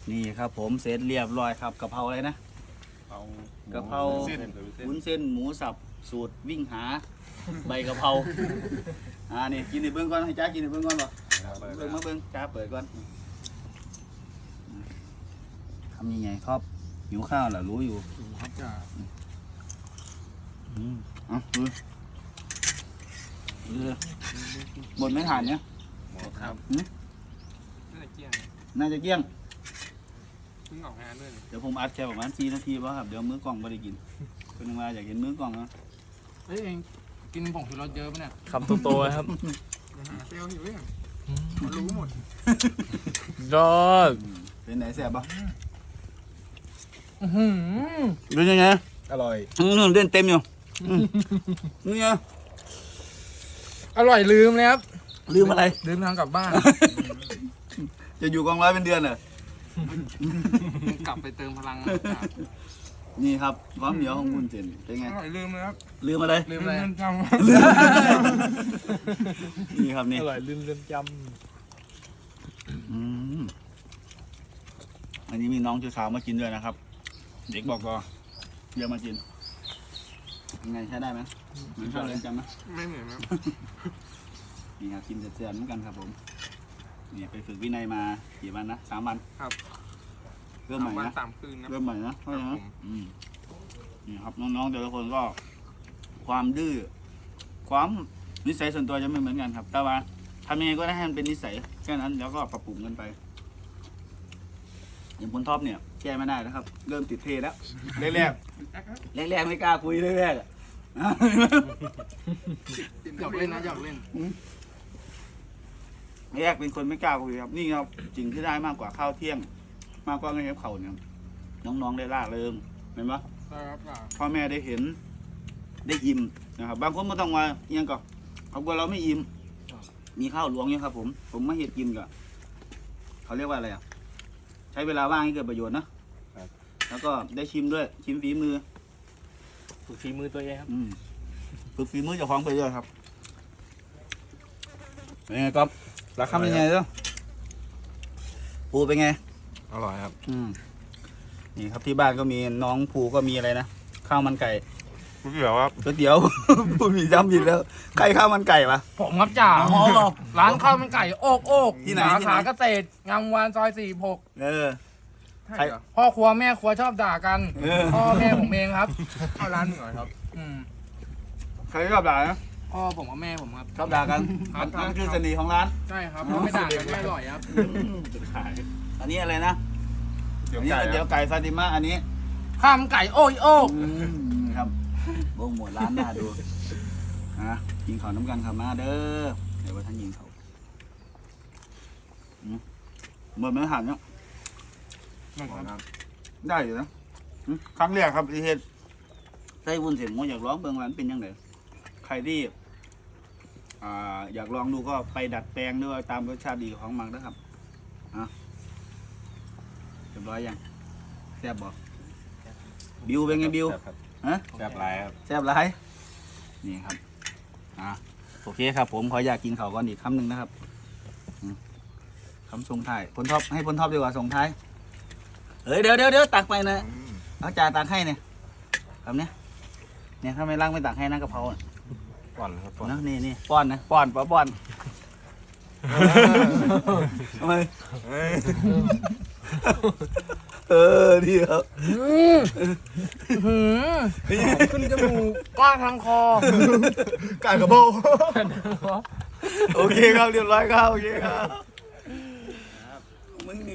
นี่ครับผมเสร็จเรียบร้อยครับกะเพราอะไรนะกะเพราวุ้นเส้นหมูสับสูตรวิ่งหาใบกะเพรานี่กินในเบื้องก่อนให้จ้ากินในเบื้องก่อนหรอเบื้องมาเบื้องจ้าเปิดก่อนทำยังไงครับหิวข้าวเหรอรู้อยู่ครับจ้าหมดไม่ทานเนี่ยหมดครับน่าจะเกลี้ยงเพิ่งออกงานด้วยเดี๋ยวผมอัดแค่ประมาณ4 นาทีป่ะครับเดี๋ยวมื้อกล่องไม่ได้กินคนนึงมาอยากเห็นมื้อกล่องนะเฮ้ยเองกินผงชูรสเยอะปะเนี่ยคำโตๆครับเซลล์หิวยังรู้หมดยอดเป็นไหนแซ่บป่ะเป็นยังไงอร่อยเล่นเต็มอยู่นี่ไงอร่อยลืมเลยครับลืมอะไรลืมทางกลับบ้านจะอยู่กองร้อยเป็นเดือนเหรกลับไปเติมพลังนี่ครับความเหนียวของคุณเจนเป็นไงอร่อยลืมเลยครับลืมอะไรลืมอะไรจำนี่ครับนี่อร่อยลืมจอันนี้มีน้องชื่อสาวมากินด้วยนะครับเด็กบอกก็เดี๋ยวมากินยังไงใช้ได้ไหมเหมือนข้าวเรียนจำไหมไม่เหมือนครับนี่ครับกินเสร็จๆเหมือนกันครับผมเนี่ยไปฝึกวินัยมากี่วันนะ3 วันครับเริ่มใหม่นะ 3 คืนนะเริ่มใหม่นะใช่ไหมนี่ครับน้องๆแต่ละคนก็ความดื้อความนิสัยส่วนตัวจะไม่เหมือนกันครับแต่ว่าทำยังไงก็ได้ให้มันเป็นนิสัยแค่นั้นแล้วก็ปรับปรุงกันไปอย่างพลท็อปเนี่ยแก้ไม่ได้นะครับเริ่มติดเทแล้วแรกไม่กล้าคุยแรกหยอกเล่นนะหยอกเล่นแรกเป็นคนไม่กล้าคุยครับนี่ครับจริงที่ได้มากกว่าข้าวเที่ยงมากกว่าเงินเขาเนี่ยน้องๆได้ล่าเริงเห็นปะพ่อแม่ได้เห็นได้อิ่มนะครับบางคนไม่ต้องมาเอียงก่อนเขากลัวเราไม่อิ่มมีข้าวหลวงเนี่ยครับผมไม่เห็นกินกับเขาเรียกว่าอะไรอ่ะใช้เวลาว่างให้เกิดประโยชน์นะแล้วก็ได้ชิมด้วยชิมฝีมือฝึกฝีมือตัวเองครับฝึกฝีมือเจ้าของไปด้วยครับเป็นไงก๊อฟราคาเป็นไงเจ้าปูเป็นไงอร่อยครับนี่ครับที่บ้านก็มีน้องภูก็มีอะไรนะข้าวมันไก่ก๋วยเตี๋ยวครับก๋วยเตี๋ยวพูดมีจำผิดแล้วใครข้าวมันไก่ปะผมครับจ่าร้านข้าวมันไก่โอกที่ไหนสาขาเกษตรงามวานซอย46ใครพ่อครัวแม่ครัวชอบด่ากันพ่อแม่ผมเองครับเข้าร้านหนึ่งหน่อยครับใครชอบด่านะพ่อผมกับแม่ผมครับชอบด่ากันนั่นคือเสน่ห์ของร้านใช่ครับไม่ด่ากันไม่อร่อยครับอันนี้อะไรนะอันนี้เดี๋ยวไก่ฟาติมาอันนี้ข้าวมันไก่โอ้ยโอ้ครับโบงหมดร้านน่าดูกินข้าวน้ำกันข้าวมาเด้อเดี๋ยวว่าท่านยิงเขาหมดไม่หันเนาะได้อยู่นะครั้งแรกครับที่เฮ็ดใส่วุ้นเส้นผมอยากลองเบิ่งว่ามันเป็นยังไงใครที่อยากลองดูก็ไปดัดแปลงด้วยตามรสชาติดีของมันนะครับเรียบร้อยยังแซ่บบ่บิวเป็นไงบิวแซ่บหลายครับแซ่บหลายนี่ครับโอเคครับผมขออยากกินข้าวก่อนอีกคำหนึ่งนะครับคำส่งท้ายพลท็อปให้พลท็อปดีกว่าส่งท้ายเดี๋ยวตักไปนะเอาจ่าตักให้เนี่ยคำเนี้ยถ้าไม่ล้างไม่ตักให้นะกะเพราป้อนครับป้อนนี่ป้อนนะป้อนทำไมดีครับขึ้นจมูกกล้าทางคอการกระโบโอเคครับเรียบร้อยครับโอเคครับ